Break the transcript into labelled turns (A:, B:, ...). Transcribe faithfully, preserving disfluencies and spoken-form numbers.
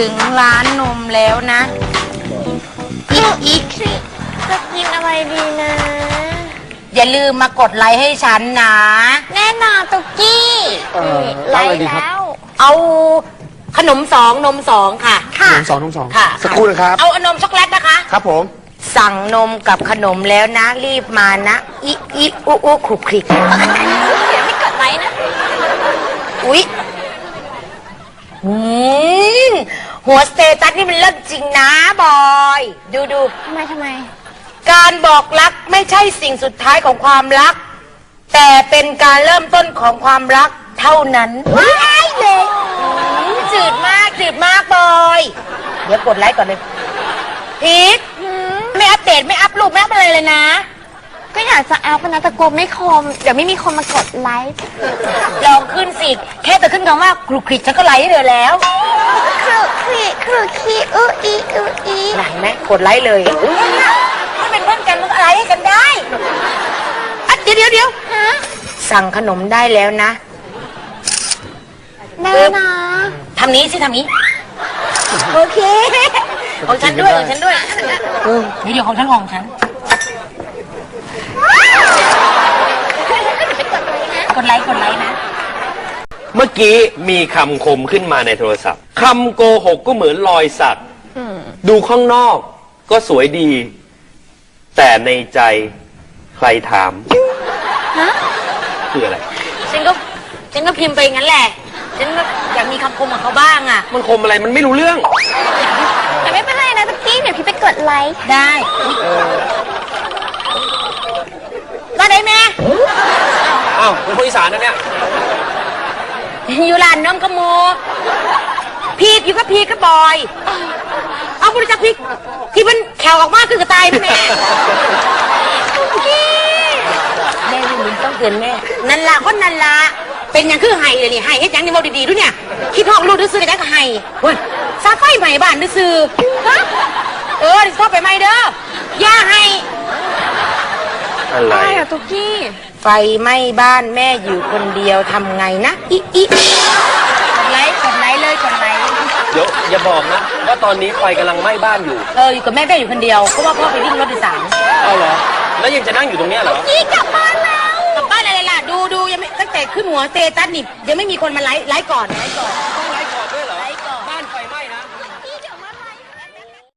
A: ถึงร้านนมแล้วนะอีกอีก
B: จะกินอะไรดีนะ
A: อย่าลืมมากดไลค์ให้ฉันนะ
B: แน่นอนตุกกี้
C: เอ่อ
B: ไล
C: เอาอะไร
B: ค์
C: ดีครับ
B: แล้ว
A: เอาขนมสองนมสองค่ะ
B: ค่ะ
C: นมสองนมสอง
A: ค่ะ
C: สักครู่นะครับ
A: เอานมช็อกโกแลตนะคะ
C: ครับผม
A: สั่งนมกับขนมแล้วนะ รีบมานะอีอีอุอุคลุกคลิก
B: เดี๋ยวไม่กดไลค์นะ
A: อุ๊ยอืมหัวสเตตัสนี่มันเลิศจริงนะบอย ดูดู
B: ทำไมทำไม
A: การบอกรักไม่ใช่สิ่งสุดท้ายของความรัก แต่เป็นการเริ่มต้นของความรักเท่านั้นว้ายเลยอืมจืดมากจืดมากบอย เดี๋ยวกดไลค์ก่อนเลยพีทไม่อัปเดตไม่อัพรูปไม่อัพอะไรเลยนะ
B: ก็อยากจะอัพนะแต่กลัวไม่คม เดี๋ยวไม่มีคนมากดไลค์
A: ลองขึ้นสิ แค่แต่ขึ้นคำว่าคลุกคลิกฉันก็ไลค์ให้เธอแล้ว
B: ครุครีครุคีอืออีอืออี
A: ไหนไหมกดไลค์เลยถ้าเป็นเพื่อนกันมันก็ไลค์ให้กันได้อ่ะเดี๋ยวเดี๋ยวเดี๋ยว
B: ฮะ
A: สั่งขนมได้แล้วนะ
B: แน่นะ
A: ทำนี้สิทำนี้ โอเค ของฉันด้วยของฉันด้วยเดี๋ยวเดี๋ยวของฉันของฉัน กดไลค์กดไลค์นะ
D: เมื่อกี้มีคำคมขึ้นมาในโทรศัพท์คำโกหกก็เหมือนรอยสักดูข้างนอกก็สวยดี แต่ในใจใครถาม
B: ฮะ
D: คืออะไร
A: ฉันก็ฉันก็พิมพ์ไปงั้นแหละ ฉันก็อยากมีคำคมของเขาบ้างอ่ะ
D: มันคมอะไรมันไม่รู้เรื่อง
B: แต่ไม่เป็นไรนะตุกกี้เดี๋ยวพี่ไปกดไลค์
A: ได้ก็ได้แม่
D: อ้าวเป็นคนอีสานนะเนี่ย
A: อยู่ร้านน้ำขโมพีกอยู่กับพีกกับบอย เอาบริจาคพีกที่มันแขวออกมากคือกระต่ายแม่แม่ลินต้องเตือนแม่ นันละคนนันละเป็นอย่างคือไห้เลยนี่ไห้เฮ็ดหยังนี่เมาดีๆด้วยเนี่ยคิดห้องลูกดื้อซื้อได้ก็ไห้เฮ้ยซาไฟใหม่บ้านดื้อซื้อฮะเออดิชอบไปใหม่เด้อย่าให้
D: อะไร
B: อะไรอะตุกกี้
A: ไฟไหม้บ้านแม่อยู่คนเดียวทำไงนะอีอีกดไลค์กดไลค์เลยกดไลค์
D: เดี๋ยวอย่าบอกนะ ว่าตอนนี้ไฟกำลังไหม้บ้านอยู่
A: เอออยู่กับแม่แม่อยู่คนเดียวเพราะว่าพ่อไปวิ่งรถโดยสาร
D: เอาเหรอ แล้วยังจะนั่งอยู่ตรงเนี้ยเหรอ
A: อีกลับบ้านแล้วกลับบ้านอะไรล่ะดูดูยังไม่ตั้งแต่ขึ้นหัวเตตัสนี่ยังไม่มีคนมาไลค์ไลค์ก่อนไลค์ก่อน